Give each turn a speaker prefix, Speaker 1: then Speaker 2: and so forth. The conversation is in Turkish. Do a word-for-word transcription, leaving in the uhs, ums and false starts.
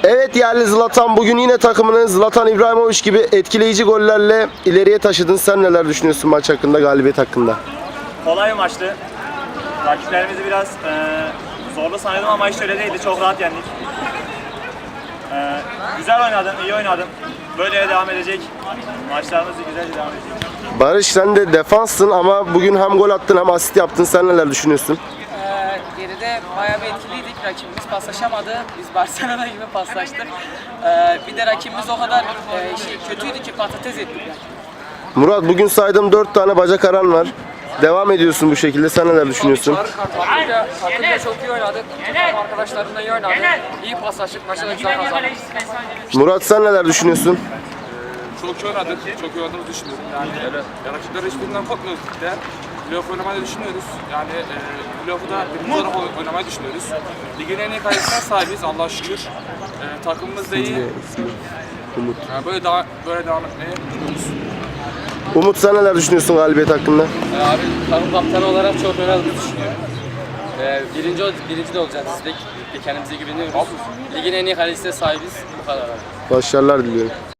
Speaker 1: Evet yerli Zlatan, bugün yine takımını Zlatan İbrahimovic gibi etkileyici gollerle ileriye taşıdın. Sen neler düşünüyorsun maç hakkında, galibiyet hakkında?
Speaker 2: Kolay bir maçtı. Rakiplerimizi biraz e, zorlu sanıyordum ama hiç öyle değildi. Çok rahat yendik. E, güzel oynadın, iyi oynadın. Böyle devam edecek. Maçlarımız güzelce devam edecek.
Speaker 1: Barış, sen de defanssın ama bugün hem gol attın hem asist yaptın. Sen neler düşünüyorsun?
Speaker 3: Ee, geride bayağı bir etkiliydik. Rakibimiz paslaşamadı. Biz Barcelona gibi paslaştık. Ee, bir de rakibimiz o kadar e, şey kötüydü ki patates ettik.
Speaker 1: Murat, bugün saydığım dört tane bacak aran var. Devam ediyorsun bu şekilde. Sen neler düşünüyorsun?
Speaker 3: Takımda, takımda çok iyi oynadık. Takım arkadaşlarımla iyi oynadık. İyi paslaştık. Maçı da güzel kazandık.
Speaker 1: Murat, sen neler düşünüyorsun?
Speaker 4: Çok iyi oynadık, çok iyi oynadığımızı düşünüyorum. Yani evet. Rakipler hiçbirinden korkmuyoruz ligde. Playoff oynamayı da düşünüyoruz. Yani e, playoff'u da birinci olarak oynamayı düşünüyoruz. Ligin en iyi kalesine sahibiz Allah'a şükür. E, takımımız da iyi.
Speaker 1: Umut.
Speaker 4: Yani böyle, daha, böyle devam etmeye umuyoruz.
Speaker 1: Umut, sen neler düşünüyorsun galibiyet hakkında?
Speaker 5: Abi takım kaptanı olarak çok önemli düşünüyorum. Ee, birinci, birinci de olacağız biz de. Kendimize güveniyoruz. Ligin en iyi kalesine sahibiz. Bu kadar abi.
Speaker 1: Başarılar diliyorum.